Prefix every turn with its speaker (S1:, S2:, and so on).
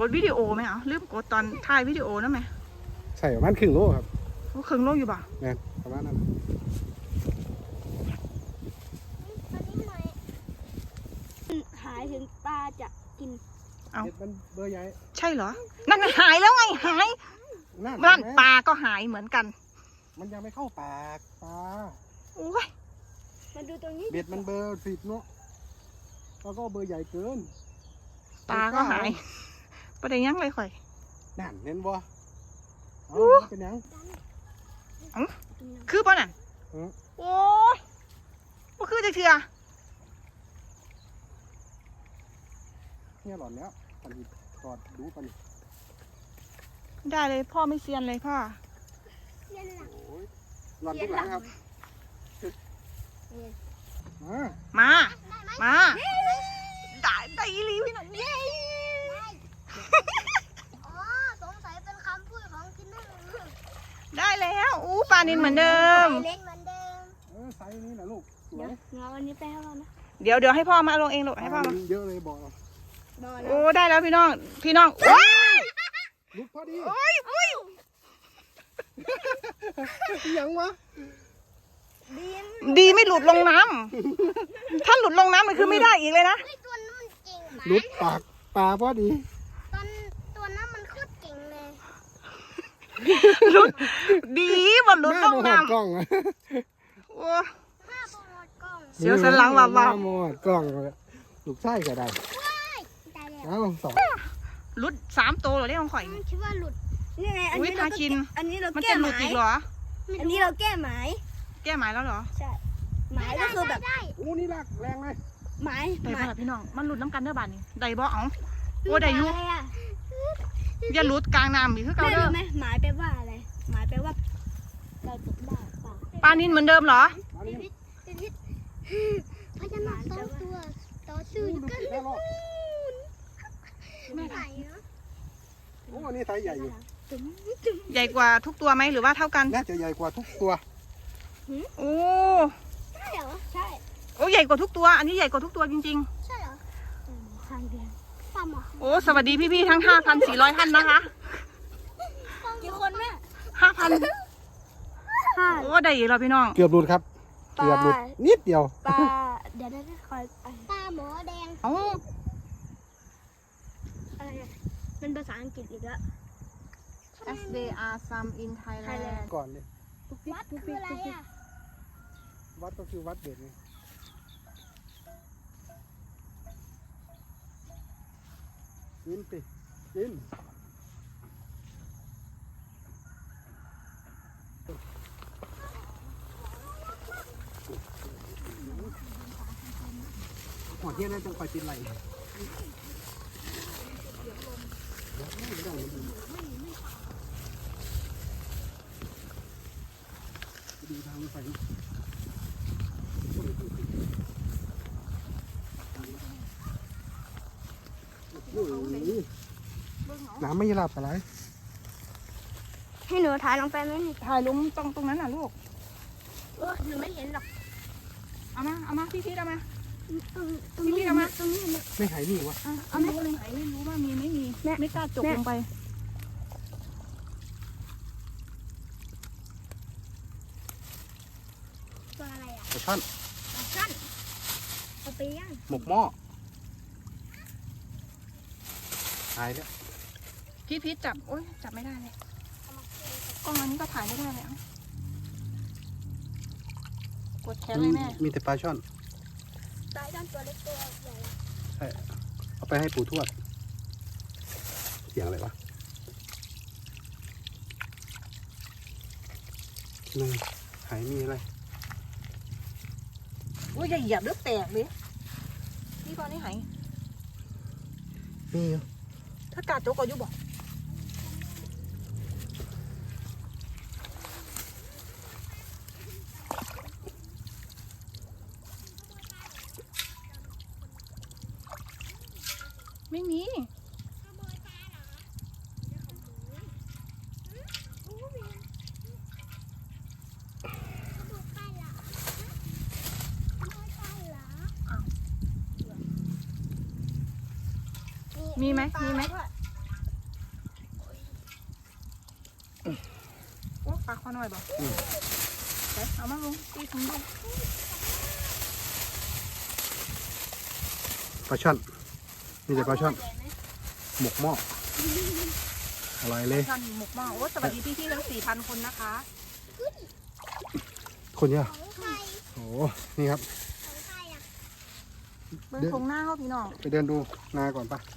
S1: ดวิดีโอไหมอ่ะลืมกดตอนถ่ายวิดีโอนั่นไหม
S2: ใช่ประมาณครึ่งโลครับ
S1: ครึ่งโลอยู่ป่ะ
S2: เนี่ยประมาณนั้น
S3: หายถึงปลาจะกิน
S1: เอา
S2: มันเบอร์ใหญ่
S1: ใช่เหรอนั่นหายแล้วไงหายนั่นปลาก็หายเหมือนกัน
S2: มันยังไม่เข้าปากปลา
S1: โอ้ย
S3: มาดูตรงนี้
S2: เบ็ดมันเบอร์10เนาะแล้วก็เบอร์ใหญ่เกิน
S1: ปลาก็หายประเดี๋ยวยังเลยข่อย
S2: นั่นเห็นบ่เป็นยัง
S1: คือป่ะน่ะโอ้ก็คือจะเถื่อ
S2: เนี่ยหลอนแล้วปันนี้กอดดูปันนี้
S1: ได้เลยพ่อไม่เซียนเลยพ่อ
S2: หลอนทุกหลังครับ
S1: มาได้รีวิวหน่อยเย้
S3: สงสัยเป็นคำพูดของกินได้
S1: ได้แล้วปลานิลเหมือนเดิม
S3: เล็กเหมือนเดิม
S2: ไซส์นี้นะลูก
S3: เดี๋ยววันนี้ไปให้เรานะ
S1: เดี๋ยวให้พ่อมาลงเองลูกให้พ่อมา
S2: เยอะเลยบอก
S1: โอ้ได้แล้วพี่น้อง
S2: ลุกพอดียังวะ
S1: ดีไม่หลุดลงน้ำถ้าหลุดลงน้ำมันคือไม่ได้อีกเลยนะ
S2: หลุดปากปลาพอดี
S3: ตัวนั้นมันโคตรเก่งเลย
S1: หลุดดีมันหลุดลงน้ำ
S2: กล้อง
S1: โอ้เสียวสันหลังหลับ
S2: หมดกล้องลูกไส้ก็ได้เอา
S1: หลุด3 ตัวเหรอเนี่ยของข่อย
S3: คิดว่าหลุดนี่ไงอันนี้เรา
S1: มันจะหลุดอีกเหรอ
S3: อันนี้เราแก้หมาย
S1: แล้วเหรอ
S3: ใช่หมายก็คือแบบ
S2: นี่ลากแรงเลย
S3: หมาย
S1: พี่น้องมันหลุดน้ำกันเด้อบ้านนี้ได้บ่เอาได้ยุอย่าหลุดกลางน้ำอีกคือเก่าเด้อ
S3: ไหมหมายแปลว่าอะไรหมายแปลว่าเราตกได้
S1: ปลานิลเหมือนเดิมเหรอ
S3: พญานาค2 ตัวต่อสู้กันไม่ไหวเนาะ
S2: โอ้นี่ไซส์ใหญ่อยู่
S1: ใหญ่กว่าทุกตัวไหมหรือว่าเท่ากัน
S2: น่าจะใหญ่กว่าทุกตัว
S1: โอ้
S3: ใช่เหรอใช่
S1: โอ้ใหญ่กว่าทุกตัวอันนี้ใหญ่กว่าทุกตัวจริง
S3: ๆใช่เหรอ
S1: โอ้สวัสดีพี่ๆทั้ง 5,400 ท่านนะคะ
S3: กี่คนแม่
S1: 5,000โอ้ได้อีกแล้วพี่น้อง
S2: เกือบหลุดครับเกือบหลุดนิดเดียว
S3: ปลาเดี๋ยวได้คอยปลาหมอแดงอะไรเป็นภาษาอังกฤษอีกแล้ว
S1: As they are some in Thailand
S2: ก่อนเลย
S3: วัดคืออะไรอ่ะ
S2: วัดก็คือวัดเด็ดไงกินสิกินหัวเทียนได้จังคอยติดไหลดูทางไฟน้ำไม่หลับอะไร
S3: ให้หนูถ่ายลงไปไหม
S1: ถ่ายลงตรงนั้นน่ะลูก
S3: หนูไม่เห็นหรอก
S1: เอามาพี่เอามา
S3: ตรงนี้เอามาตรงนี้
S2: ไม่หายนี่วะ
S1: เอาไม่เลยไม่รู้ว่ามีไม่มีไม่กล้าจกลงไป
S3: ตัวอะไรอ่ะ
S2: ปลาช่อน
S3: เอาไปย่าง
S2: หมกหม้อหายแล้ว
S1: พี่จับโอ๊ยจับไม่ได้เลยกล้องอันนี้ก็ถ่ายไม่ได้เลยกดแขนเลยแม่
S2: มีแต่ปลาช่อน
S3: ปลาช่อนตัวเล็กตัวใหญ่
S2: ใช่เอาไปให้ปู่ทวดเสียงอะไรวะนี่หายมีอะไร
S1: โอ้ยอย่าเหยียบเลือดแตกเลยพี่ตอนนี้หาย
S2: มี
S1: ถ้ากาดโจกก็ยุบบอกไม่มีมีไหมลาคอหน่อยบ่เดี๋ยวเอามาลุงตีถุงดู
S2: ปลาช่อนนี่แต่ปลาช่อนหมกหม้ออร่อยเลย
S1: ท่านหมกหม้อโอ้สวัสดีพี่ๆทั้ง 4,000 คนนะคะ
S2: คนเยอะ
S3: ของใคร
S2: โอ้นี่ครับ
S3: ของใครอ่ะ
S1: เบิ่งโครงหน้าเขาพี่น้อง
S2: ไปเดินดูนาก่อนปะ